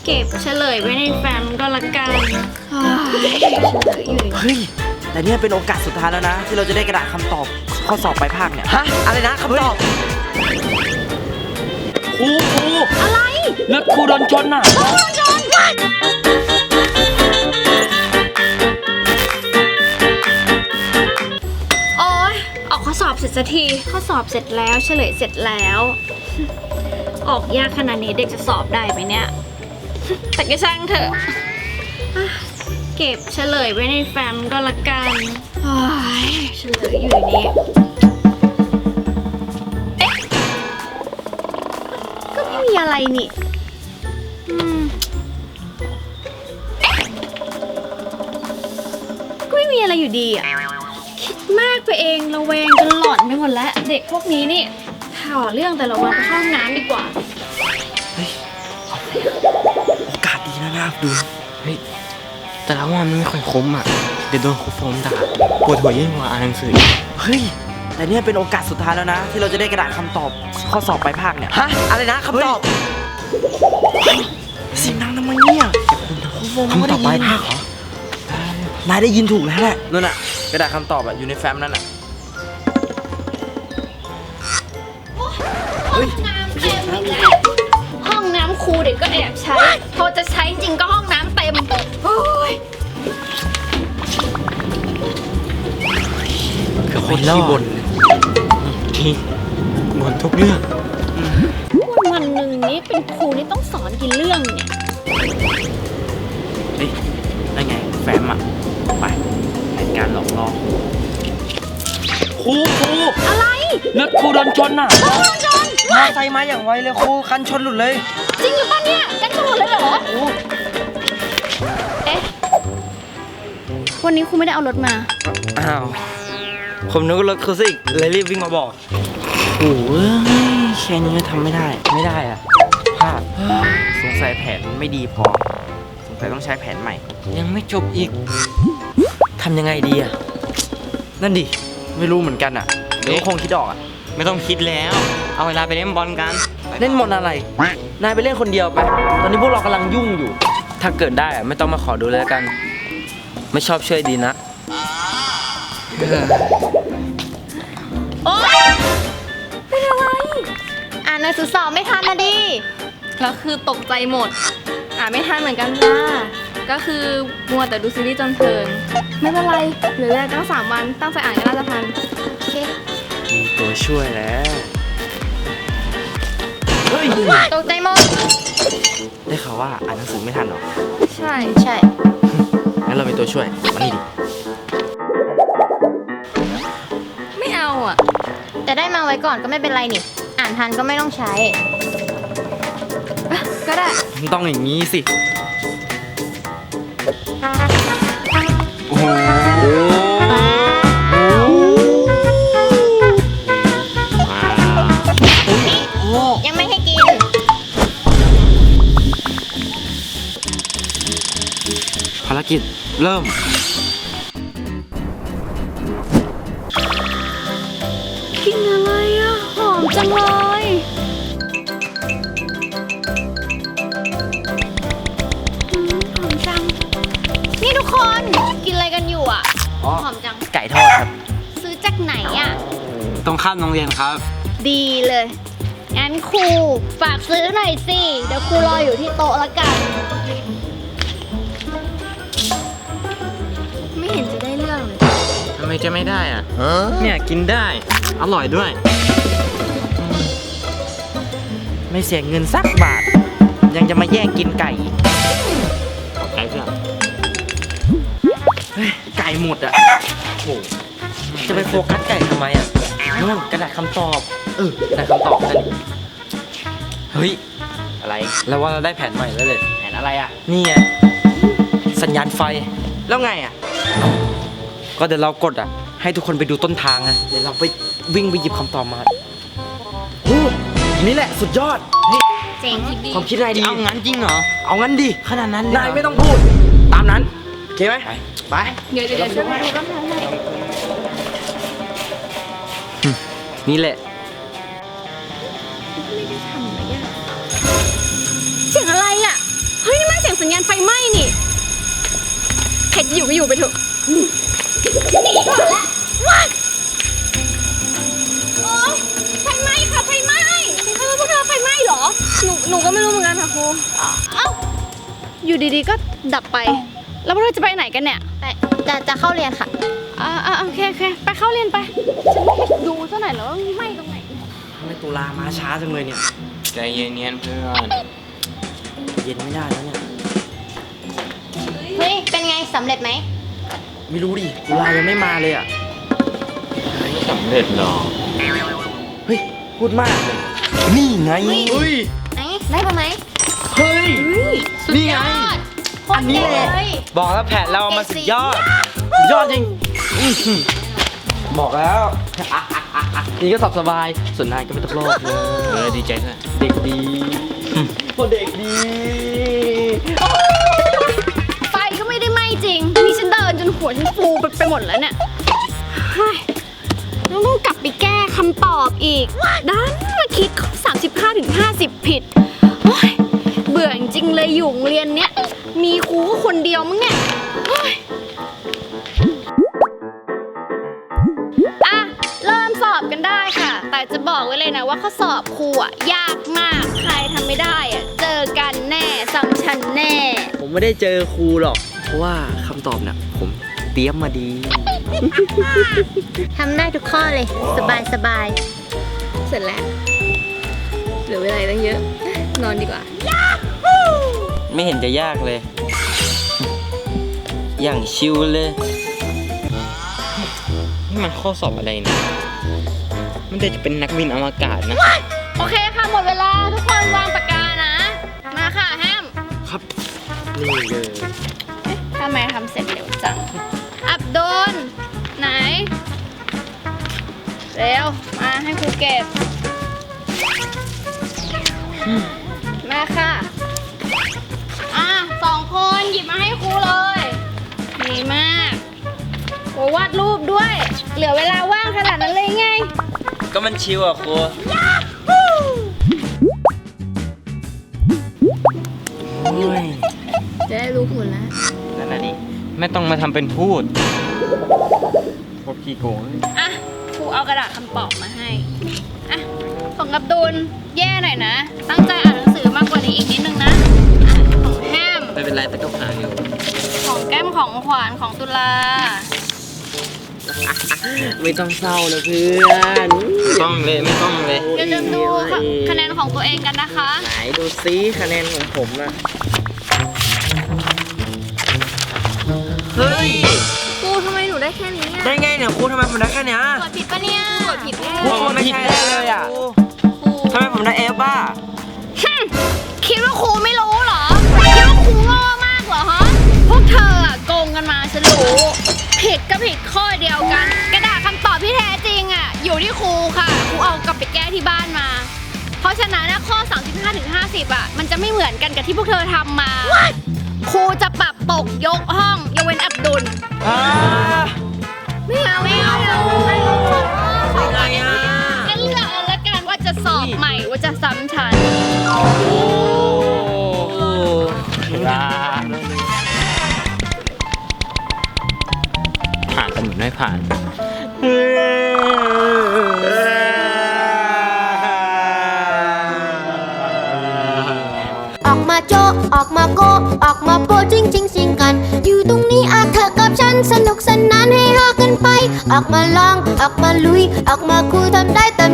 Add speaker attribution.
Speaker 1: เก็บเฉลยไว้ในแฟ้มก็ละกันเฉลยอยู่
Speaker 2: เฮ้ยแต่เนี่ยเป็นโอกาสสุดท้ายแล้วนะที่เราจะได้กระดาษคำตอบข้อสอบปลายภาคเนี่ยฮะอะไรนะคำตอบครู
Speaker 1: อะไร
Speaker 2: รถครูโดนชนน่ะ
Speaker 1: โอ๊ยออกข้อสอบเสร็จสักทีข้อสอบเสร็จแล้วเฉลยเสร็จแล้วออกยากขนาดนี้เด็กจะสอบได้ไหมเนี่ยแต่ก็ช่างเถอะเก็บเฉลยไว้ในแฟ้มก็ละกันเฉลยอยู่ในนี้เอ๊ะก็ไม่มีอะไรนี่เอ๊ะก็ไม่มีอะไรอยู่ดีอ่ะคิดมากไปเองระแวงจนหลอนไปหมดแล้วเด็กพวกนี้นี่ข่าวเรื่องแต่ละวันไปเข้าห้องน้ำดีกว่า
Speaker 2: โอกาสดีนะดู
Speaker 3: เฮ้ยแต่ละวันมันไม่ค่อยคุ้มอ่ะเดี๋ยวโดนครูโฟมด่าปวดหัวยิ่งกว่าอ่านหนังสือ
Speaker 2: เฮ้ยแต่เนี่ยเป็นโอกาสสุดท้ายแล้วนะที่เราจะได้กระดาษคำตอบข้อสอบปลายภาคเนี่ยฮะอะไรนะคำตอบเสียงดังทำไมเนี่ย
Speaker 3: คำตอบปลายภาคเหรอ
Speaker 2: นายได้ยินถูกแล้วแหละนั่นน่ะกระดาษคำตอบอะอยู่ในแฟ้มนั่นน่ะ
Speaker 1: ห้องน้ำเต็มอีกแล้วห้องน้ำครูเด็กก็แอบใช้พอจะใช้จริงก็ห้องน้ำเต็มโอ้ย
Speaker 3: คือคนขี้บ่นทีบ่นทุกเรื่อง
Speaker 1: วันหนึ่งนี้เป็นครูนี่ต้องสอนกี่เรื่องเนี่ย
Speaker 2: เฮ้ยได้ไงแฟ้มอะไปในการหลอกล่อครู
Speaker 1: อะไร
Speaker 2: รถครูโดนชนน่ะ
Speaker 1: โดนชน
Speaker 2: มอไซค์มาอย่างไวเลยครูคันชนหลุดเลย
Speaker 1: จริงหรือเปล่าเนี่ยกันชนหลุดเลยเหรอเอ๊ะวันนี้ครูไม่ได้เอารถมา
Speaker 2: อ้าวผมนึกว่ารถครูซิกเลยรีบวิ่งมาบอกโอ้ยแค่นี้ก็ทำไม่ได้อะพลาดสงสัยแผนไม่ดีพอสงสัยต้องใช้แผนใหม่
Speaker 3: ยังไม่จบอีก
Speaker 2: ทำยังไงดีอะนั่นดิไม่รู้เหมือนกันอะเดี๋ยวคงคิดออกอะ
Speaker 3: ไม่ต้องคิดแล้วเอาเวลาไปเล่นบอลกัน
Speaker 2: เล่นบอลอะไรนายไปเล่นคนเดียวไปตอนนี้พวกเรากำลังยุ่งอยู่ถ้าเกิดได้อะไม่ต้องมาขอดูแล้วกันไม่ชอบช่วยดีนะ
Speaker 1: โอ๊ยเป็นอะไรอ่านหนังสือสอบไม่ทันนะดิแล้วคือตกใจหมดอ่านไม่ทันเหมือนกันจ้าก็คือมัวแต่ดูซีรีส์จนเพลินไม่เป็นไรเหลือเวลาตั้ง3 วันตั้งใจอ่านก็น่าจะทันโอเค
Speaker 2: มีตัวช่วยแล้วเฮ้ย
Speaker 1: ตกใจหมด
Speaker 2: ได้ข่าวว่าอ่านหนังสือไม่ทันหรอ
Speaker 1: ใช่
Speaker 2: งั้นเรามีตัวช่วยมานี่ดิ
Speaker 1: ไม่เอาอ่ะแต่ได้มาไว้ก่อนก็ไม่เป็นไรนี่อ่านทันก็ไม่ต้องใช้ก็ได้
Speaker 2: ต้องอย่างนี้สิ
Speaker 3: โอ้โห
Speaker 1: ยังไม่ให้กิน
Speaker 2: ภารกิจเริ่ม
Speaker 1: กินอะไรอ่ะหอมจังเลยหอมจังนี่ทุกคนกินอะไรกันอยู่อ่ะหอมจัง
Speaker 2: ไก่ทอดครับ
Speaker 1: ซื้อจากไหนอ่ะ
Speaker 3: ตรงข้ามโรงเรียนครับ
Speaker 1: ดีเลยงั้นครูฝากซื้อหน่อยสิเดี๋ยวครูรออยู่ที่โต๊ะละกันไม่เห็นจะได้เรื่องเลย
Speaker 3: ทำไมจะไม่ได้อ่ะเนี่ยกินได้อร่อยด้วย
Speaker 2: ไม่เสียเงินสักบาทยังจะมาแย่งกินไก่
Speaker 3: ขอบใจเพื่อน
Speaker 2: ไก่หมดอ่ะโหจะไปโฟกัสไก่ทำไมอ่ะนู่นกระดาษคำตอบกระดาษคำตอบนั่น
Speaker 3: เฮ้ย
Speaker 2: อะไร
Speaker 3: แล้วว่าเราได้แผนใหม่แล้วเลย
Speaker 2: แผนอะไรอ่ะ
Speaker 3: นี่ไงสัญญาณไฟ
Speaker 2: แล้วไงอ่ะ
Speaker 3: ก็เดี๋ยวเรากดอ่ะให้ทุกคนไปดูต้นทางนะ
Speaker 2: เดี๋ยวเราไปวิ่งไปหยิบคำตอบมานี่แหละสุดยอด
Speaker 1: เจ๋งคิดดี
Speaker 2: ความคิดนายดี
Speaker 3: เอางั้นจริงเหรอ
Speaker 2: เอางั้นดิ
Speaker 3: ขนาดนั้น
Speaker 2: นายไม่ต้องพูดตามนั้นโอเคไหมไป
Speaker 1: เดี๋ยวช่วยดูต้นทางหน่อย
Speaker 3: นี่แหละ
Speaker 1: ไม่ได้ทำอะไรยากเสียงอะไรอ่ะเฮ้ยไฟไหม้นี่ใครจะอยู่ก็อยู่ไปเถอะฉันหนีก่อนละว้ายโอ๊ยไฟไหม้ค่ะไฟไหม้พวกเธอไฟไหม้เหรอหนูก็ไม่รู้เหมือนกันค่ะครูเอ้าอยู่ดีๆก็ดับไปแล้วพวกเธอจะไปไหนกันเนี่ย
Speaker 4: จะเข้าเรียนค่ะ
Speaker 1: โอเคไปเข้าเรียนไปฉันต้องไปดูซะหน่อยแล้วว่าไหม้ตรงไหน
Speaker 2: ทำไมตุลามาช้าจังเลยเนี่ย
Speaker 3: ใจเย็นๆเพื่อน
Speaker 2: เย็นไม่ได้แล้วเนี่ย
Speaker 4: เฮ้ย เป็นไงสำเร็จไหม
Speaker 2: ไม่รู้ดิตุลายังไม่มาเลยอ่ะ
Speaker 3: ไม่สำเร็จหรอก
Speaker 2: เฮ้ยพูดมากเลยนี่ไงเฮ้ย
Speaker 4: ไหน ได้ปะไหม
Speaker 2: เฮ้ยนี่ไง
Speaker 4: อันนี้เลย
Speaker 2: บอกแล้วแผนเรามาสุดยอดสุดยอดจริงอื้อหือบอกแล้วนี่ก็สอบสบายส่วนนายก็ไม่ต้องโลกเลย
Speaker 3: ดีใจด้วย
Speaker 2: เด็กดีโอ้เด็กดี
Speaker 1: ไฟก็ไม่ได้ไหม้จริงนี่ฉันเดินจนหัวฉันฟูไปหมดแล้วเนี่ยเฮ้ยต้องกลับไปแก้คำตอบอีกดันมาคิดข้อ35 ถึง 50 ผิดโอ๊ยเบื่อจริงๆเลยอยู่โรงเรียนเนี้ยมีครูก็คนเดียวมั้งเนี่ยเฮ้ยอ่ะเริ่มสอบกันได้ค่ะ แต่จะบอกไว้เลยนะว่าข้อสอบครูอ่ะยากมากใครทำไม่ได้อ่ะเจอกันแน่ซ้ำชั้นแน่
Speaker 2: ผมไม่ได้เจอครูหรอก เพราะว่าคำตอบเนี่ยผมเตรียมมาดี
Speaker 4: ทำได้ทุกข้อเลย สบาย
Speaker 1: เสร็จแล้วเหลือเวลาตั้งเยอะ นอนดีกว่า
Speaker 2: ไม่เห็นจะยากเลย อย่างชิวเลย
Speaker 3: นี่มันข้อสอบอะไรเนี่ยมันจะเป็นนักบินอวกาศนะ
Speaker 1: โอเคค่ะหมดเวลาทุกคนวางปากกานะ มาค่ะแฮม
Speaker 2: ครับ นี่เลย
Speaker 1: เอ๊ะทำไมทำเสร็จเร็วจัง อับดุลไหน เร็ว มาให้ครูเก็บ มาค่ะ 2 คนหยิบมาให้ครูเลยดีมากโอ้วาดรูปด้วย เหลือเวลาว่างขนาดนั้นเลยไง
Speaker 2: ก็มันชิวอ่ะครูโอ้ย
Speaker 1: จะได้รู้ผลแล้ว
Speaker 2: นั่นน่ะดิ
Speaker 3: ไม่ต้องมาทำเป็นพูดพวกขี้โกง
Speaker 1: อ่ะครูเอากระดาษคำตอบมาให้ อ่ะ ของอับดุลแย่หน่อยนะ ตั้งใจอ่านหนังสือมากกว่านี้อีกนิดนึงนะอ่ะของแฮม
Speaker 3: ไม่เป็นไรแต่ก็ผ่านอยู่
Speaker 1: ของแก้มของขวานของตุลา
Speaker 2: ไม่ต้องเศร้าเลยเพื่อน
Speaker 3: ไม่ต้องเลย
Speaker 1: อย่าลืมดูค่ะคะแนนของตัวเองกันนะคะ
Speaker 2: ไหนดูซิคะแนนของผมอะเฮ้ย
Speaker 1: ครูทำไมหนูได้แค่นี้อ่ะ
Speaker 2: ได้ไงเนี่ยครูทำไมผมได้แค่เนี้ย
Speaker 1: ตรวจผิดปะเนี่ยตรวจผิดแน่
Speaker 2: ครูมันไม่ใช่ได้เลยอ่ะ
Speaker 1: ครู
Speaker 2: ทำไมผมได้เอฟอ่ะ
Speaker 1: คิดว่าครูไม่รู้เหรอ คิดว่าครูโง่มากเหรอฮะ พวกเธออะโกงกันมาฉันรู้ ผิดก็ผิดข้อเดียวกัน กระดาษคำตอบที่แท้จริงอ่ะ อยู่ที่ครูค่ะ ครูเอากลับไปแก้ที่บ้านมา เพราะฉะนั้นนะข้อ 35 ถึง 50 อ่ะ มันจะไม่เหมือนกันกับที่พวกเธอทำมา ครูจะปรับตกยกห้องยกเว้นอับดุล ไม่เอาไม่เอาไม่เอา
Speaker 2: อะไรอ่ะ
Speaker 1: ก็เลือกเอาละกันว่าจะสอบใหม่ว่าจะซ้ำชั้น
Speaker 3: ผ่านแต่เหมือนไม่ผ่าน
Speaker 4: ออกมาโจะออกมาโกะออกมาโปะจริงจริงสิงกัน อยู่ตรงนี้อาเธอกับฉันสนุกสนานให้ฮากันไป ออกมาลอง ออกมาลุย ออกมาคุยทำได้เต็ม